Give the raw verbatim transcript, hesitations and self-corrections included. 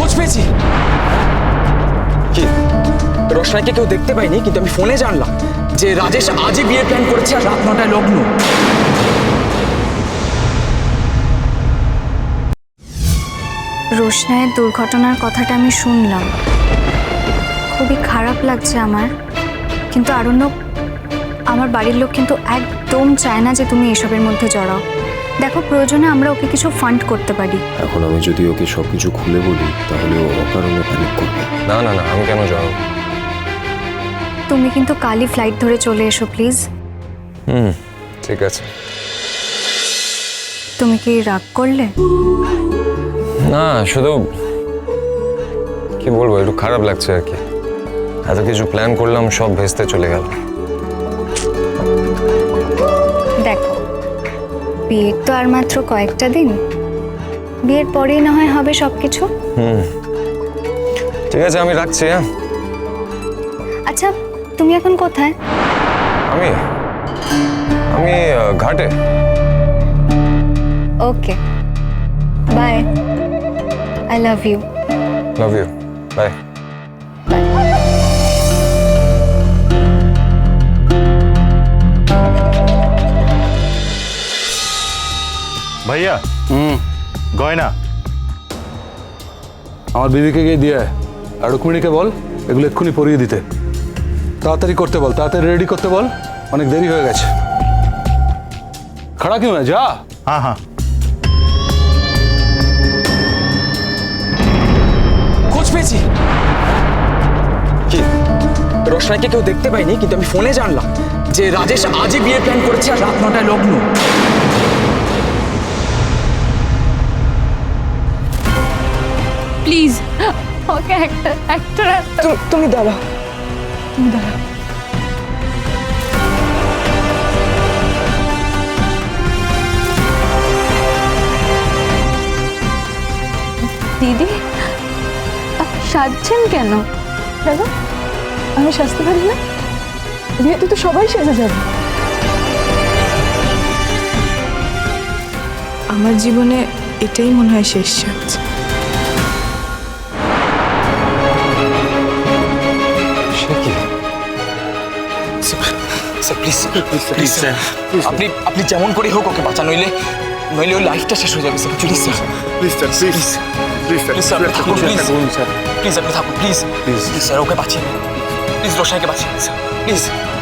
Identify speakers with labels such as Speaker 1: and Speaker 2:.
Speaker 1: খোঁজ পেয়েছি। কি রোশনাইকে কেউ দেখতে পাইনি, কিন্তু আমি ফোনে জানলাম যে রাজেশ আজই বিয়ের প্ল্যান করেছে আর রাত নটায় লগ্ন।
Speaker 2: রোশনাইয়ের দুর্ঘটনার কথাটা আমি শুনলাম, খুবই খারাপ লাগছে আমার। কিন্তু আরণ্যক, আমার বাড়ির লোক কিন্তু একদম চায় না যে তুমি এসবের মধ্যে জড়াও। দেখো, প্রয়োজনে আমরা ওকে কিছু ফান্ড করতে পারি।
Speaker 3: এখন আমি যদি ওকে সবকিছু খুলে বলি তাহলে ও অকারণে প্যানিক করবে।
Speaker 4: না না না, আমি কেন যাবো?
Speaker 2: তুমি কিন্তু কালই ফ্লাইট ধরে চলে এসো প্লিজ।
Speaker 4: হুম, ঠিক আছে।
Speaker 2: তুমি কি রাগ করলে?
Speaker 4: না, শুধু কি বলবো, একটু খারাপ লাগছে আর কি। এত কিছু প্ল্যান করলাম, সব ভেস্তে চলে গেল।
Speaker 2: দেখো, বিয়ের তো আর মাত্র কয়েকটা দিন, বিয়ের পরেই না হয় হবে সবকিছু।
Speaker 4: হুম, ঠিক আছে, আমি রাখছি। হ্যাঁ,
Speaker 2: আচ্ছা, তুমি এখন কোথায়?
Speaker 4: আমি আমি আহ, ঘাটে।
Speaker 2: Okay, bye. I love you.
Speaker 4: Love you, bye.
Speaker 5: ভাইয়া,
Speaker 6: হুম,
Speaker 5: গয়না
Speaker 6: আমার বিবিকে গিয়ে দিয়ে আয়। আর রুক্মিণীকে বল এগুলো এক্ষুনি পরিয়ে দিতে। তাড়াতাড়ি করতে বল, তাড়াতাড়ি রেডি করতে বল, অনেক দেরি হয়ে গেছে। খাড়া কিউ হ্যাঁ, যা।
Speaker 5: হ্যাঁ হ্যাঁ।
Speaker 1: খোঁজ পেয়েছি। কি রোশনাইকে কেউ দেখতে পাইনি, কিন্তু আমি ফোনে জানলাম যে রাজেশ আজই বিয়ের প্ল্যান করেছে আর রাত নটায় লগ্ন।
Speaker 7: প্লিজ ওকে একটা একটা
Speaker 1: তু- তুমি দাঁড়াও, তুমি দাঁড়াও।
Speaker 7: দিদি, আপনি সাজছেন কেন?
Speaker 8: কেন আমি সাজতে পারি না? বিয়েতে তো সবাই সেজে যাবে। আমার জীবনে এটাই মনে হয় শেষ সাজ।
Speaker 1: সে কি? স্যার প্লিজ, প্লিজ স্যার, আপনি আপনি যেমন করে হোক ওকে বাঁচান, নইলে নইলে ওর লাইফটা শেষ হয়ে যাবে sir. Please sir,
Speaker 5: please sir, please please
Speaker 1: please sir, আপনি থাকুন, প্লিজ প্লিজ আপনি থাকুন, প্লিজ প্লিজ স্যার, ওকে বাঁচিয়ে প্লিজ, রোশনাইকে বাঁচিয়ে স্যার, প্লিজ।